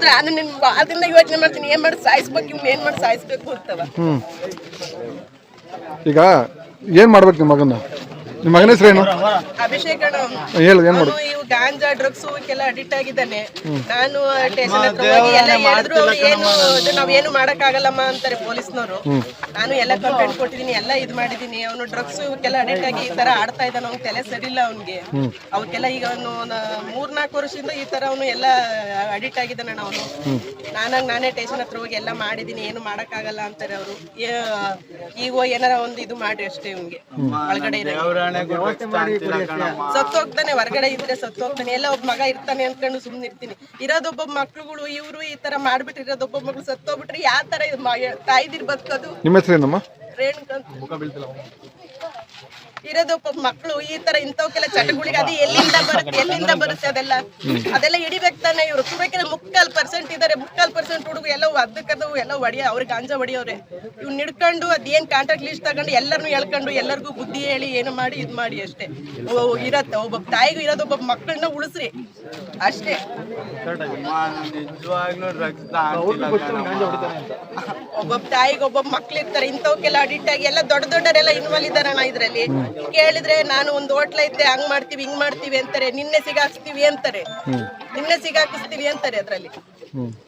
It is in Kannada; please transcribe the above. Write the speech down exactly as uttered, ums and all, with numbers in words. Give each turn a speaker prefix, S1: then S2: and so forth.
S1: ನಾನು ನಿನ್ ಅದನ್ನ ಯೋಚನೆ ಮಾಡ್ತೀನಿ, ಏನ್ ಮಾಡಿ ಸಾಯಿಸ್ಬೇಕು, ಇವ್ನ ಏನ್ ಮಾಡಿ ಸಾಯಿಸ್ಬೇಕು ಅಂತವ.
S2: ಈಗ ಏನ್ ಮಾಡ್ಬೇಕು ನಿಮ್ಮ ಮಗನ? ನಿಮ್ಮ ಮಗನ ಹೆಸರು ಏನು?
S1: ಅಭಿಷೇಕ್ ಅಣ್ಣ.
S2: ಹೇಳು, ಏನ್ ಮಾಡು?
S1: ಇವ್ ಗಾಂಜಾ ಡ್ರಗ್ಸ್ ಕೆಲ ಅಡಿಕ್ಟ್ ಆಗಿದ್ದಾನೆ. ನಾನು ಸ್ಟೇಷನ್ ಹತ್ರ ಹೋಗಿ ಎಲ್ಲ ಹೇಳಿದ್ರು, ಅವ್ರು ಏನು ಇದು ನಾವೇನು ಮಾಡಕ್ ಆಗಲ್ಲಮ್ಮ ಅಂತಾರೆ ಪೊಲೀಸ್ನವರು. ನಾನು ಎಲ್ಲ ಕಂಪ್ಲೇಂಟ್ ಕೊಟ್ಟಿದೀನಿ, ಎಲ್ಲ ಇದು ಮಾಡಿದೀನಿ. ಅವನು ಡ್ರಗ್ಸ್ ಕೆಲ ಅಡಿಕ್ಟ್ ಆಗಿ ಈ ತರ ಆಡ್ತಾ ಇದ್ದಾನ, ಅವ್ನ ತಲೆ ಸರಿ ಇಲ್ಲ ಅವ್ನಿಗೆ. ಅವಕ್ಕೆಲ್ಲ ಈಗ ಅವನು ಮೂರ್ನಾಲ್ಕು ವರ್ಷದಿಂದ ಈ ತರ ಅವನು ಎಲ್ಲ ಅಡಿಕ್ಟ್ ಆಗಿದ್ದಾನ. ಅವನು ನಾನಾಗ ನಾನೇ ಸ್ಟೇಷನ್ ಹತ್ರ ಹೋಗಿ ಎಲ್ಲ ಮಾಡಿದೀನಿ, ಏನು ಮಾಡಕ್ ಆಗಲ್ಲ ಅಂತಾರೆ ಅವರು. ಈಗ ಏನಾರ ಒಂದು ಇದು ಮಾಡಿ ಅಷ್ಟೇ, ಇವ್ನಿಗೆ ಒಳಗಡೆ ಸತ್ತು ಹೋಗ್ತಾನೆ, ಹೊರಗಡೆ ಇದ್ರೆ ಸತ್ತು ಹೋಗ್ತಾನೆ. ಎಲ್ಲ ಒಬ್ಬ ಮಗ ಇರ್ತಾನೆ ಅನ್ಕೊಂಡು ಸುಮ್ನೆ ಇರ್ತೀನಿ. ಇರೋದೊಬ್ಬ ಮಕ್ಳುಗಳು ಇವ್ರು ಈ ತರ ಮಾಡ್ಬಿಟ್ರೆ, ಇರೋದೊಬ್ಬ ಮಕ್ಳು ಸತ್ತೋಗ್ಬಿಟ್ರೆ ಯಾವ ತರ ತಾಯಿದಿರ್ ಬದುಕೋದು?
S2: ನಿಮ್ಮ ಹೆಸರೇನಮ್ಮ?
S1: ರೇಣುಕಂತ. ಇರೋದೊಬ್ಬ ಮಕ್ಕಳು ಈ ತರ ಇಂಥವಕ್ಕೆಲ್ಲ ಚಟಗಳಿಗೆ ಅದು ಎಲ್ಲಿಂದ ಬರುತ್ತೆ, ಎಲ್ಲಿಂದ ಬರುತ್ತೆ ಅದೆಲ್ಲ ಅದೆಲ್ಲ ಹಿಡಿಬೇಕು ತಾನೆ. ಇವ್ರು ಕುಬೇಕಿನ ಮುಕ್ಕಾಲ್ ಪರ್ಸೆಂಟ್ ಇದಾರೆ, ಮುಕ್ಕಾಲ್ ಪರ್ಸೆಂಟ್ ಹುಡುಗ ಎಲ್ಲ ಅದಕ್ಕದು ಎಲ್ಲ ಹೊಡಿಯ, ಅವ್ರಿಗೆ ಗಾಂಜಾ ಹೊಡಿಯವ್ರೆ. ಇವ್ನು ಹಿಡ್ಕೊಂಡು ಅದೇನ್ ಕಾಂಟ್ರಾಕ್ಟ್ ಲಿಸ್ಟ್ ತಗೊಂಡು ಎಲ್ಲರನ್ನು ಹೇಳ್ಕೊಂಡು ಎಲ್ಲರಿಗೂ ಬುದ್ಧಿ ಹೇಳಿ ಏನು ಮಾಡಿ ಇದು ಮಾಡಿ ಅಷ್ಟೇ ಇರತ್ತೆ. ಒಬ್ಬ ತಾಯಿಗೂ ಇರೋದೊಬ್ಬ ಮಕ್ಕಳನ್ನ ಉಳಿಸ್ರಿ ಅಷ್ಟೇ. ಒಬ್ಬೊಬ್ಬ ತಾಯಿಗೆ ಒಬ್ಬೊಬ್ಬ ಮಕ್ಳು ಇರ್ತಾರೆ, ಇಂಥವಕ್ಕೆಲ್ಲ ಅಡಿಕ್ಟ್ ಆಗಿ ಎಲ್ಲ ದೊಡ್ಡ ದೊಡ್ಡರೆಲ್ಲ ಇನ್ವಾಲ್ವ್ ಇದಾರಣ್ಣ ಇದ್ರಲ್ಲಿ. ಕೇಳಿದ್ರೆ ನಾನು ಒಂದು ಹೋಟ್ಲ ಇದ್ದೆ, ಹಂಗ್ ಮಾಡ್ತೀವಿ ಹಿಂಗ್ ಮಾಡ್ತೀವಿ ಅಂತಾರೆ. ನಿನ್ನೆ ಸಿಗಾಕ್ಸ್ತೀವಿ ಅಂತಾರೆ, ನಿನ್ನೆ ಸಿಗಾಕಿಸ್ತೀವಿ ಅಂತಾರೆ ಅದ್ರಲ್ಲಿ.